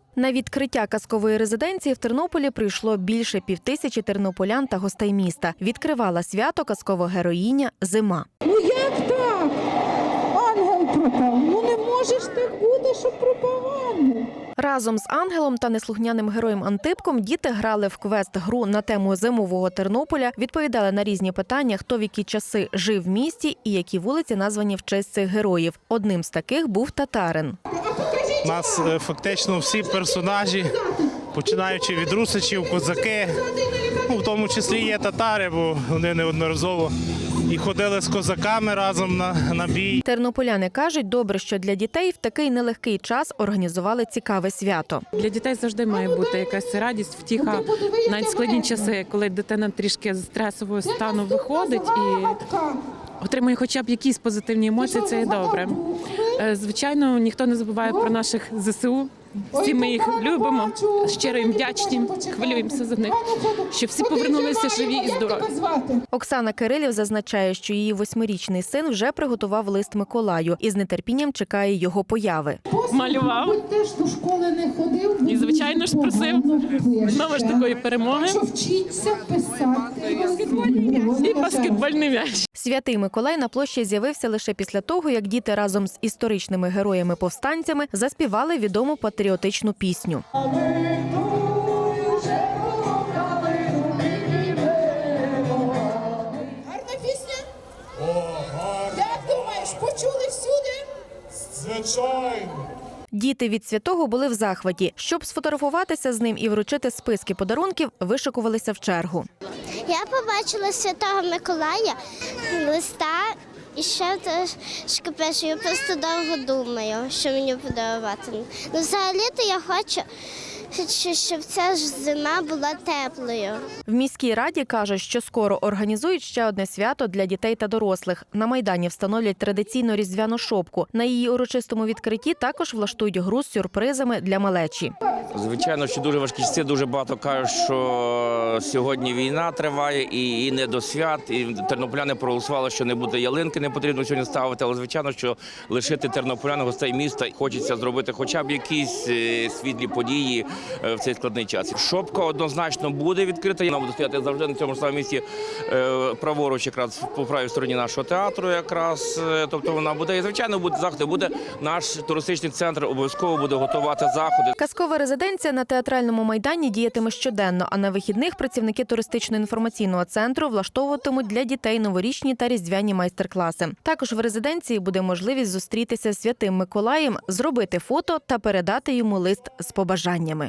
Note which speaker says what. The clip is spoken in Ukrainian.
Speaker 1: На відкриття казкової резиденції в Тернополі прийшло більше 5000 тернополян та гостей міста. Відкривала свято казкова героїня Зима.
Speaker 2: Ну як так? Ангел пропав. Ну не може ж так бути, щоб пропав ангел.
Speaker 1: Разом з ангелом та неслухняним героєм Антипком діти грали в квест-гру на тему зимового Тернополя, відповідали на різні питання, хто в які часи жив в місті і які вулиці названі в честь цих героїв. Одним з таких був татарин.
Speaker 3: У нас фактично всі персонажі, починаючи від русичів, козаки, в тому числі є татари, бо вони неодноразово і ходили з козаками разом на бій.
Speaker 1: Тернополяни кажуть, добре, що для дітей в такий нелегкий час організували цікаве свято.
Speaker 4: Для дітей завжди має бути якась радість, втіха, навіть складні часи, коли дитина трішки з стресового стану виходить і отримує хоча б якісь позитивні емоції, це є добре. Звичайно, ніхто не забуває про наших ЗСУ. Всі ми їх любимо, щиро їм вдячні, хвилюємося за них, щоб всі повернулися живі і здорові.
Speaker 1: Оксана Кирилів зазначає, що її 8-річний син вже приготував лист Миколаю і з нетерпінням чекає його появи.
Speaker 4: Малював і, звичайно ж, просив знову ж такої перемоги і баскетбольний м'яч.
Speaker 1: Святий Миколай на площі з'явився лише після того, як діти разом з історичними героями-повстанцями заспівали відому патріотичну пісню.
Speaker 2: Гарна пісня? Як думаєш, почули всюди?
Speaker 5: Звичайно.
Speaker 1: Діти від святого були в захваті. Щоб сфотографуватися з ним і вручити списки подарунків, вишикувалися в чергу.
Speaker 6: Я побачила Святого Миколая, листа і ще трошки пишу. Я просто довго думаю, що мені подарувати. Ну, взагалі-то я хочу, щоб ця ж зима була теплою.
Speaker 1: В міській раді кажуть, що скоро організують ще одне свято для дітей та дорослих. На Майдані встановлять традиційну різдвяну шопку. На її урочистому відкритті також влаштують гру з сюрпризами для малечі.
Speaker 7: Звичайно, що дуже важкі часи, дуже багато кажуть, що сьогодні війна триває і не до свят. І тернополяни проголосували, що не буде ялинки, не потрібно сьогодні ставити. Але, звичайно, що лишити тернополян, гостей міста, хочеться зробити хоча б якісь світлі події в цей складний час. Шопка однозначно буде відкрита. Вона буде стояти завжди на цьому ж самому місці, праворуч, якраз по правій стороні нашого театру, якраз. Тобто вона буде, і звичайно, буде заходи. Буде наш туристичний центр, обов'язково буде готувати заходи.
Speaker 1: Казкова резиденція на театральному майдані діятиме щоденно, а на вихідних працівники туристично-інформаційного центру влаштовуватимуть для дітей новорічні та різдвяні майстер-класи. Також в резиденції буде можливість зустрітися з Святим Миколаєм, зробити фото та передати йому лист з побажаннями.